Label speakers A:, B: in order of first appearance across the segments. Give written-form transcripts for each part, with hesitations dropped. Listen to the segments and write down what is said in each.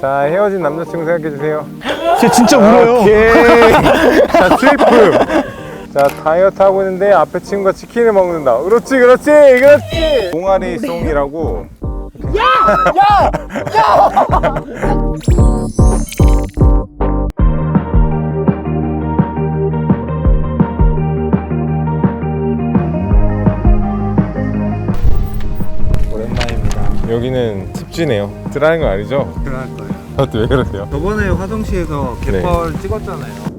A: 자, 헤어진 남자친구 생각해주세요.
B: 쟤 진짜 울어요.
A: 오케이. 자, 트리플. 자, 다이어트 하고 있는데 앞에 친구가 치킨을 먹는다. 그렇지, 그렇지, 그렇지. 동아리 송이라고.
B: 오랜만입니다.
A: 여기는 습지네요. 들어가는 거 아니죠?
C: 들어갈 거예요.
A: 저한테 왜 그러세요?
C: 저번에 화성시에서 갯벌 찍었잖아요.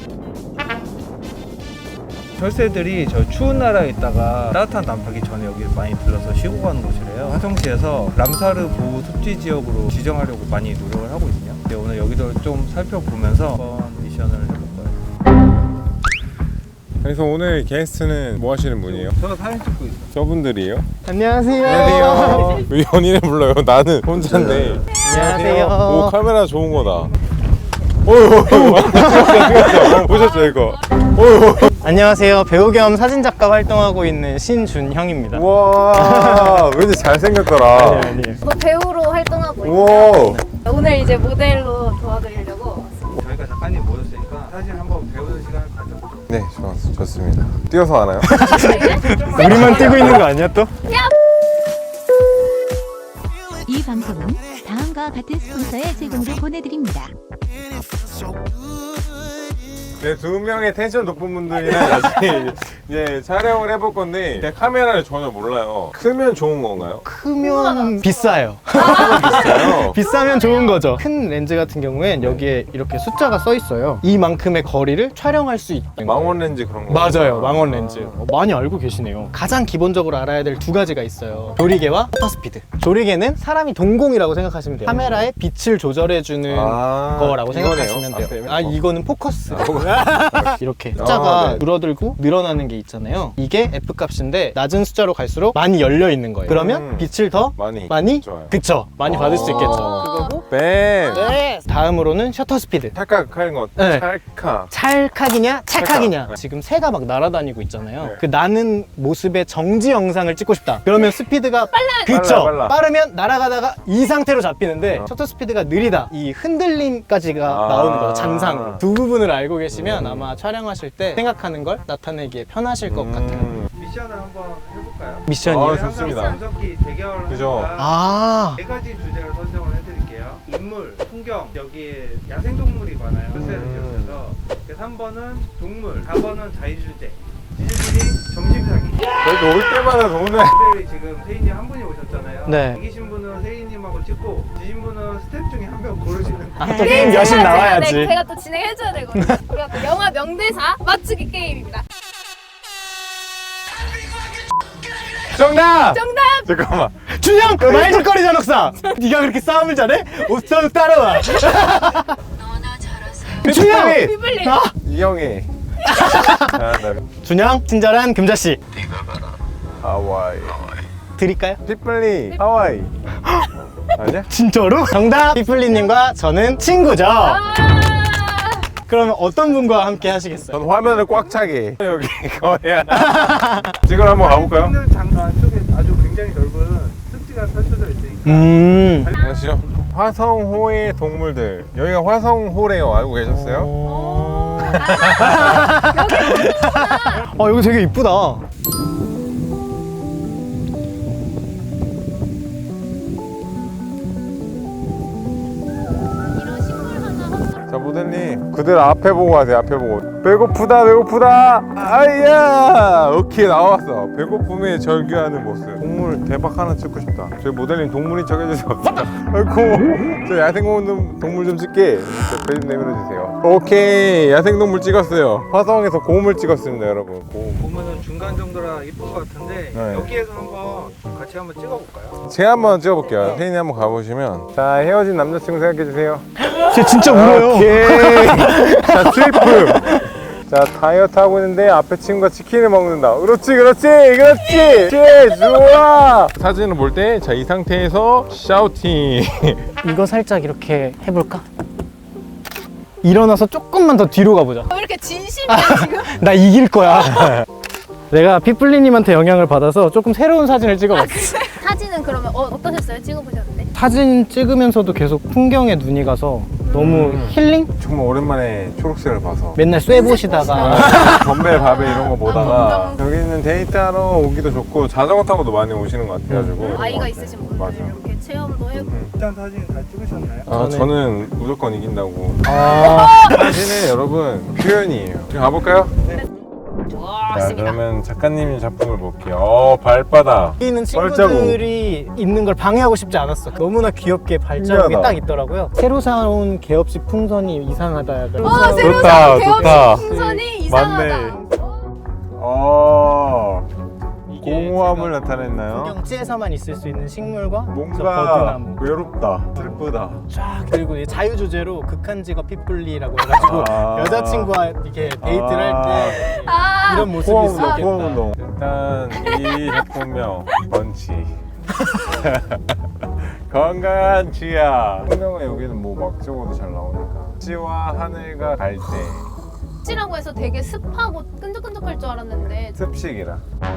C: 철새들이 저 추운 나라에 있다가 따뜻한 난파기 전에 여기 많이 들러서 쉬고 가는 곳이래요. 화성시에서 람사르 보호 습지 지역으로 지정하려고 많이 노력을 하고 있거든요. 근데 오늘 여기도 좀 살펴보면서 한번 미션을 해볼 거예요.
A: 그래서 오늘 게스트는 뭐 하시는 분이에요?
C: 저 사진 찍고 있어요.
A: 저분들이에요?
B: 안녕하세요.
A: 안녕하세요. 왜 연인을 불러요? 나는 혼자인데.
B: 안녕하세요.
A: 오, 카메라 좋은 거다. 보셨죠 이거?
B: 안녕하세요. 배우 겸 사진작가 활동하고 있는 신준형입니다.
A: 와, 왠지 잘생겼더라.
B: 아니에요.
D: 뭐 배우로 활동하고
A: 우와.
D: 있어요. 오늘 이제 모델로 도와드리려고 왔습니다.
C: 저희가 작가님 모셨으니까 사진 한번 배우는 시간을 가져보죠.
A: 네, 좋습니다. 뛰어서 하나요?
B: 우리만 뛰고 있는 거 아니야 또?
E: 이 방송은 다음과 같은 스폰서의 제공으로 보내드립니다.
A: 네, 두 명의 텐션 높은 분들이랑 같이 이제 촬영을 해볼 건데 제가 카메라를 전혀 몰라요. 크면 좋은 건가요?
B: 크면 비싸요.
A: 비싸요.
B: 비싸면 좋은 거죠. 큰 렌즈 같은 경우엔 여기에 이렇게 숫자가 써 있어요. 이만큼의 거리를 촬영할 수 있는 거예요.
A: 망원 렌즈 그런 거.
B: 맞아요. 망원 렌즈. 많이 알고 계시네요. 가장 기본적으로 알아야 될 두 가지가 있어요. 조리개와 셔터 스피드. 조리개는 사람이 동공이라고 생각하시면 돼요. 카메라의 빛을 조절해주는 거라고 생각하시면 돼요.
A: 앞에.
B: 아, 이거는 포커스. 이렇게 숫자가
A: 네.
B: 줄어들고 늘어나는 게 있잖아요. 이게 F값인데 낮은 숫자로 갈수록 많이 열려 있는 거예요. 그러면 빛을 더
A: 많이
B: 좋아요.
A: 좋아요.
B: 그쵸? 많이 받을 수 있겠죠.
D: 그거고
A: 뱀.
B: 네. 다음으로는 셔터 스피드.
A: 찰칵하는 거.
B: 네.
A: 찰칵.
B: 찰칵이냐 찰칵이냐.
A: 찰칵.
B: 지금 새가 막 날아다니고 있잖아요.
A: 네.
B: 그 나는 모습의 정지 영상을 찍고 싶다. 그러면 스피드가 그쵸?
A: 빨라.
B: 빠르면 날아가다가 이 상태로 잡히는데 셔터 스피드가 느리다. 이 흔들림까지가 나오는 거죠. 잔상으로. 두 부분을 알고 계시면 아마 촬영하실 때 생각하는 걸 나타내기에 편하실 것 같아요.
C: 미션을 한번 해볼까요?
B: 미션이요?
A: 아, 좋습니다.
C: 분석기 대결을
A: 그죠.
C: 하니까
B: 아,
C: 네 가지 주제를 선정을 해드릴게요. 인물, 풍경, 여기에 야생동물이 많아요. 철새를 지역에서. 3번은 동물, 4번은 자유주제, 지지들이 점심사기.
A: 저희도 올 때마다 오늘
C: 특별히 지금 세인님 한 분이 오셨잖아요.
B: 네.
C: 이기신 분은 세인님하고 찍고 지신 분은 스텝 중에 한 명 고르시는 거예요.
B: 또 게임 여신 나와야지.
D: 네, 제가 또 진행해줘야 되거든요. 우리가 또 영화 명대사 맞추기 게임입니다.
A: 정답!
D: 정답!
A: 잠깐만.
B: 준영! 말죽거리자 넉사! 네가 그렇게 싸움을 잘해? 옷선 따라와! 준영!
D: 비블리!
B: 아!
A: 이영애.
B: 준영, 친절한 금자씨
A: 하와이.
B: 드릴까요?
A: 피플리. 하와이. 아니야?
B: 진짜로? 정답! 피플리님과 저는 친구죠. 그러면 어떤 분과 함께 하시겠어요?
A: 전 화면을 꽉 차게. 여기 거야. 지금 한번 가볼까요?
C: 있는 장소 안쪽에 아주 굉장히 넓은 습지가 펼쳐져 있으니까
A: 안녕하세요. 화성호의 동물들. 여기가 화성호래요. 알고 계셨어요?
B: 여기 되게 이쁘다.
A: 자, 모델님. 그들 앞에 보고 하세요. 앞에 보고. 배고프다, 배고프다. 아이야. 오케이, 나왔어. 배고픔에 절규하는 모습. 동물 대박 하나 찍고 싶다. 저희 모델님 동물인 척 해주세요. 아이고. 저 야생동물 동물 좀 찍게. 배 좀 내밀어주세요. 오케이. 야생동물 찍었어요. 화성에서 곰을 찍었습니다, 여러분. 곰.
C: 보면은 중간 정도라 이쁠 것 같은데
A: 네.
C: 여기에서 한번 같이 한번 찍어볼까요?
A: 제가 한번 찍어볼게요. 혜인이 한번 가보시면. 자, 헤어진 남자친구 생각해주세요.
B: 쟤 진짜 울어요.
A: 오케이. 자, 트리플. 자, 다이어트 하고 있는데 앞에 친구가 치킨을 먹는다. 그렇지, 그렇지, 그렇지. 좋아. 사진을 볼 때, 자, 이 상태에서 샤우팅.
B: 이거 살짝 이렇게 해볼까? 일어나서 조금만 더 뒤로 가보자.
D: 왜 이렇게 진심이야 지금?
B: 나 이길 거야. 내가 피플리님한테 영향을 받아서 조금 새로운 사진을 찍어봤어.
D: 사진은 그러면 어떠셨어요? 찍어보셨는데?
B: 사진 찍으면서도 계속 풍경에 눈이 가서 너무 힐링?
A: 정말 오랜만에 초록색을 봐서
B: 맨날 쇠 보시다가
A: 건배 밥에 이런 거 보다가 여기는 데이트하러 오기도 좋고 자전거 타고도 많이 오시는 것 같아가지고
D: 아이가 있으신 분들
A: 맞아.
D: 이렇게 체험도 해보고
C: 일단 사진 다 찍으셨나요?
A: 아, 저는 무조건 이긴다고.
B: 아,
A: 사진은 여러분 표현이에요. 지금 가볼까요? 자,
D: 좋았습니다.
A: 그러면 작가님이 작품을 볼게요. 발바닥.
B: 여기 있는
A: 발자국.
B: 친구들이 있는 걸 방해하고 싶지 않았어. 너무나 귀엽게 발자국이
A: 신기하다.
B: 딱 있더라고요. 새로 사온 개업식 풍선이 이상하다 약간.
D: 새로
A: 좋다,
D: 사온
A: 좋다.
D: 개업식 풍선이 이상하다.
A: 맞네. 공허함을 나타냈나요?
B: 경지에서만 있을 수 있는 식물과 저
A: 뭔가
B: 버드나무
A: 외롭다, 슬프다.
B: 쫙 그리고 이 자유 주제로 극한 직업 핏불리라고 해가지고
A: 아.
B: 여자친구와 이렇게 데이트를 할 때
D: 아,
B: 이런 모습이
A: 포항운동,
B: 있었겠다.
A: 포항운동. 일단 이 작품명 번치. 건강한 지야. 풍경은 여기는 뭐 막 적어도 잘 나오니까. 지와 하늘과 갈 때.
D: 찌라고 해서 되게 습하고 끈적끈적할 줄 알았는데
A: 습식이라.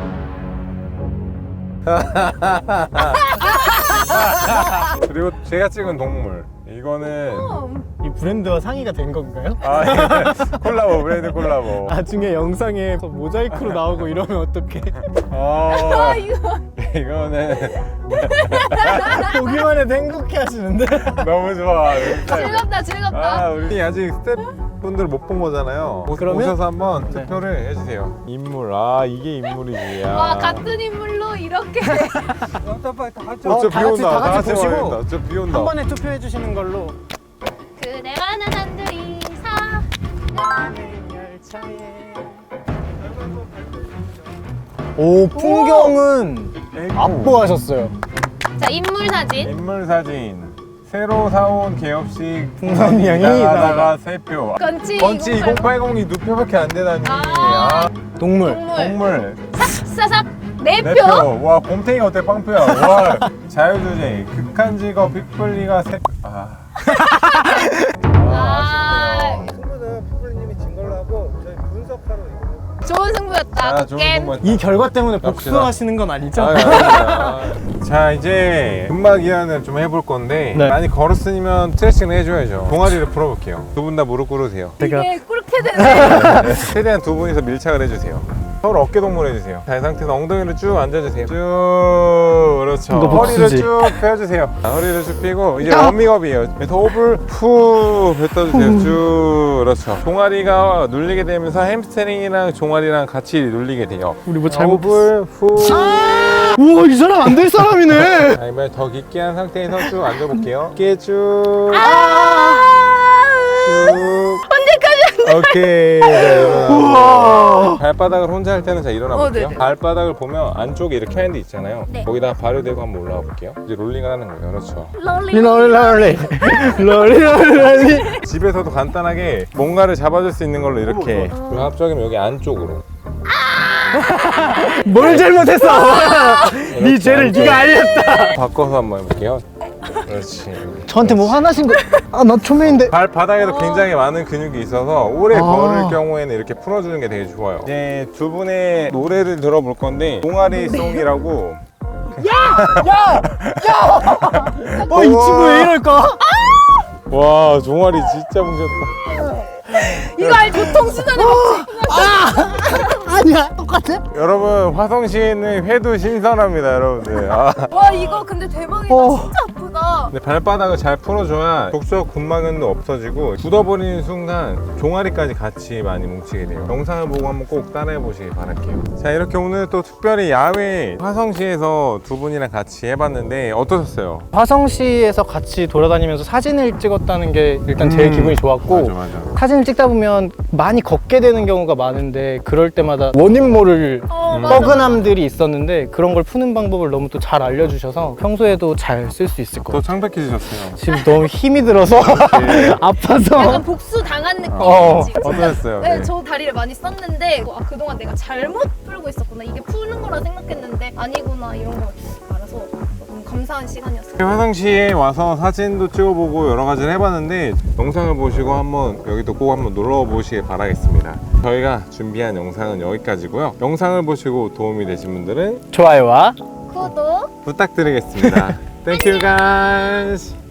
A: 그리고 제가 찍은 동물. 이거는
B: 이 브랜드와 상의가 된 건가요?
A: 이거 콜라보 브랜드 콜라보.
B: 나중에 영상에 모자이크로 나오고 이러면 어떡해.
A: 이거는
B: 보기만 해도 행복해 하시는데.
A: 너무 좋아.
D: 즐겁다 즐겁다.
A: 우리 아직 스태프분들 못 본 거잖아요.
B: 그러면?
A: 오셔서 한번 투표를 해주세요. 인물. 이게 인물이지.
D: 와 같은 인물로 이렇게
C: 빨리 다 같이
A: 저
B: 다
A: 비 온다.
B: 같이
A: 다 같이
B: 보시고
A: 와야겠다. 저 비 온다.
B: 한 번에 투표해 주시는 걸로.
D: 그대와 난 한둘이 사
B: 오, 풍경은 압도하셨어요.
D: 자 인물 사진
A: 인물 사진. 새로 사온 개업식
B: 풍선이 형이
A: 나가다가 3표.
D: 건치
A: 번치 2080이 2표밖에 안 되다니.
B: 동물.
D: 동물
A: 동물
D: 싹싹 4표
A: 4표. 와 곰탱이 어때 빵표야. 와 자유주제 극한 직업 빅블리가 3표. 아쉽네요.
C: 친구는 푸블리님이 진 걸로 하고 저희 분석하러 이거.
D: 좋은 승부였다
A: 좋은
D: 겜
A: 공부했다.
B: 이 결과 때문에
A: 갑시다.
B: 복수하시는 건 아니죠?
A: 아닙니다. 자 이제 음악 이완을 좀 해볼 건데
B: 네.
A: 많이 걸었으면 스트레칭을 해줘야죠. 동아리를 풀어볼게요. 두 분 다 무릎 꿇으세요.
B: 제가
D: 이게 꿀게 되네
A: 최대한 두 분이서 밀착을 해주세요. 서로 어깨 동무를 해주세요. 자, 이 상태에서 엉덩이를 쭉 앉아주세요. 쭉 그렇죠.
B: 이거
A: 허리를
B: 복수지.
A: 쭉 펴주세요. 허리를 쭉 펴고 이제 워밍업이에요. 그래서 호흡을 후 뱉어주세요. 쭉 그렇죠. 종아리가 눌리게 되면서 햄스트링이랑 종아리랑 같이 눌리게 돼요.
B: 우리 뭐 잘못
A: 호흡을 후.
B: 우와, 이 사람 안 될 사람이네.
A: 자, 이번에 더 깊게 한 상태에서 쭉 앉아볼게요. 깊게 쭉. 쭉. 언제까지? 오케이. 자, 일어나. 발바닥을 혼자 할 때는 자 일어나 볼게요.
D: 네네.
A: 발바닥을 보면 안쪽에 이렇게 하는 데 있잖아요.
D: 네.
A: 거기다 발을 대고 한번 올라가 볼게요. 이제 롤링을 하는 거예요. 그렇죠.
D: 롤리
B: 롤리.
A: 집에서도 간단하게 뭔가를 잡아줄 수 있는 걸로 이렇게. 그리고 합적이면 여기 안쪽으로.
B: 뭘 잘못했어? 네 죄를 네가 알렸다.
A: 바꿔서 한번 해볼게요. 그렇지.
B: 저한테 뭐 화나신 거? 나 초면인데.
A: 발바닥에도 굉장히 많은 근육이 있어서 오래
B: 아.
A: 걸을 경우에는 이렇게 풀어주는 게 되게 좋아요. 이제 두 분의 노래를 들어볼 건데 동아리 송이라고.
B: 이 친구 왜 이럴까?
A: 와 종아리 진짜 뭉쳤다.
D: 이거 알지? 보통수단에
B: 아니야, 똑같아.
A: 여러분 화성시에는 회도 신선합니다 여러분들.
D: 와 이거 근데 대박이다 진짜 아프다
A: 근데 발바닥을 잘 풀어줘야 족저 근막은도 없어지고 굳어버리는 순간 종아리까지 같이 많이 뭉치게 돼요. 영상을 보고 한번 꼭 따라해 보시길 바랄게요. 자 이렇게 오늘 또 특별히 야외 화성시에서 두 분이랑 같이 해봤는데 어떠셨어요?
B: 화성시에서 같이 돌아다니면서 사진을 찍었다는 게 일단 제일 기분이 좋았고,
A: 맞아.
B: 사진을 찍다 보면 많이 걷게 되는 경우가 많은데 그럴 때마다 원인 모를
D: 맞아.
B: 뻐근함들이 있었는데 그런 걸 푸는 방법을 너무 또 잘 알려주셔서 평소에도 잘 쓸 수 있을 것
A: 더
B: 같아요.
A: 창백해지셨어요.
B: 지금 너무 힘이 들어서 아파서.
D: 약간 복수 당한 느낌이지
A: 어떠셨어요?
D: 네, 저 다리를 많이 썼는데 그동안 내가 잘못 풀고 있었구나 이게 푸는 거라 생각했는데 아니구나 이런 걸 알아서 너무 감사한 시간이었어요.
A: 화성시에 와서 사진도 찍어보고 여러 가지를 해봤는데 영상을 보시고 한번 여기도 꼭 한번 놀러 보시길 바라겠습니다. 저희가 준비한 영상은 여기까지고요. 영상을 보시고 도움이 되신 분들은
B: 좋아요와
D: 구독
A: 부탁드리겠습니다.
B: Thank you guys.